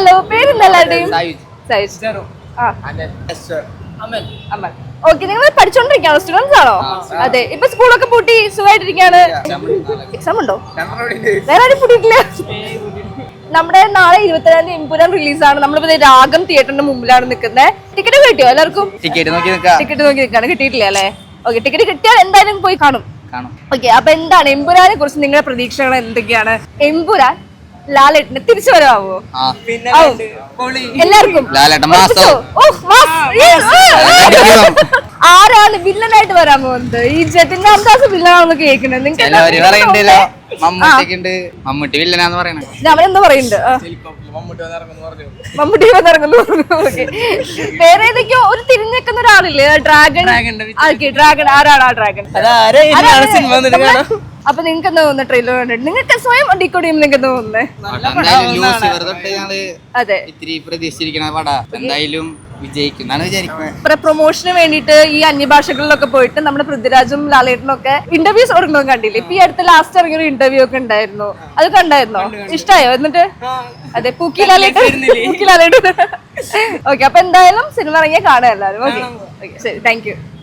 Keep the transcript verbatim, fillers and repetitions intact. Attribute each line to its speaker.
Speaker 1: Hello, പേരെന്തല്ലാരുടെയും? അമൽ. Okay, നിങ്ങൾ പഠിച്ചോണ്ടിരിക്കാണോ? Students ആണോ? അതെ. ഇപ്പൊ സ്കൂളൊക്കെ പൂട്ടി സുഖമായിട്ടിരിക്കാണ്. എക്സാം ഉണ്ടോ? വേറെ ആരും പൂട്ടിയിട്ടില്ല. നമ്മുടെ നാളെ ഇരുപത്തിരണ്ടാം തീയതി എമ്പുരാൻ റിലീസാണ്. നമ്മളിപ്പോ രാഗം തിയേറ്ററിന്റെ മുമ്പിലാണ് നിൽക്കുന്നത്. ടിക്കറ്റ് കിട്ടിയോ എല്ലാവർക്കും?
Speaker 2: ടിക്കറ്റ് നോക്കി
Speaker 1: ടിക്കറ്റ് നോക്കി നിൽക്കാണ്. കിട്ടിയിട്ടില്ല അല്ലേ? ഓക്കെ, ടിക്കറ്റ് കിട്ടിയാൽ എന്തായാലും പോയി കാണും. ഓക്കെ, അപ്പൊ എന്താണ് എമ്പുരാനെ കുറിച്ച് നിങ്ങളുടെ പ്രതീക്ഷകൾ എന്തൊക്കെയാണ്? എമ്പുരാൻ ലാലേട്ടന് തിരിച്ചു വരാവോ? എല്ലാവർക്കും ആരാണ് വില്ലനായിട്ട് വരാൻ പോകുന്നത്? ഈ ജതിൻ രാംദാസ് വില്ലനാണെന്ന് കേൾക്കുന്നത്. നിങ്ങൾക്ക്
Speaker 2: മമ്മൂട്ടി വില്ലനാന്ന് പറയണേ.
Speaker 1: അവനെന്താ പറയുന്നുണ്ട്? മമ്മൂട്ടി വന്നിറങ്ങുന്നു. വേറെ ഏതൊക്കെയോ ഒരു തിരിഞ്ഞേക്കുന്ന ഒരാളില്ലേ? ഡ്രാഗൺ. ഡ്രാഗൺ ആരാണ്? ആ ഡ്രാഗൺ അപ്പൊ നിങ്ങൾക്ക് എന്താ തോന്നുന്നത്? ട്രെയിലർ കണ്ടിട്ട് നിങ്ങൾക്ക് സ്വയം ഡിക്കോഡ് ചെയ്യുമ്പോൾ നിങ്ങൾക്ക് എന്താ തോന്നുന്നത്? അതെ,
Speaker 2: എന്തായാലും വിജയിക്കുന്നാണ് വിചാരിക്കുന്നത്.
Speaker 1: പ്രൊമോഷന് വേണ്ടിട്ട് ഈ അന്യഭാഷകളിലൊക്കെ പോയിട്ട് നമ്മുടെ പൃഥ്വിരാജും ലാലേട്ടനും ഒക്കെ ഇന്റർവ്യൂസ് കൊടുക്കുന്നത് കണ്ടില്ലേ? ഇപ്പൊ ഈ അടുത്ത ലാസ്റ്റ് ഇറങ്ങിയ ഒരു ഇന്റർവ്യൂ ഒക്കെ ഉണ്ടായിരുന്നു. അത് കണ്ടായിരുന്നോ? ഇഷ്ടായോ? എന്നിട്ട് അതെ, പൂക്കി ലാലേട്ടൻ. പൂക്കി ലാലേട്ടൻ. ഓക്കെ, അപ്പൊ എന്തായാലും സിനിമ ഇറങ്ങിയാൽ കാണാം എല്ലാവരും. ഓക്കെ, ശരി, താങ്ക് യു.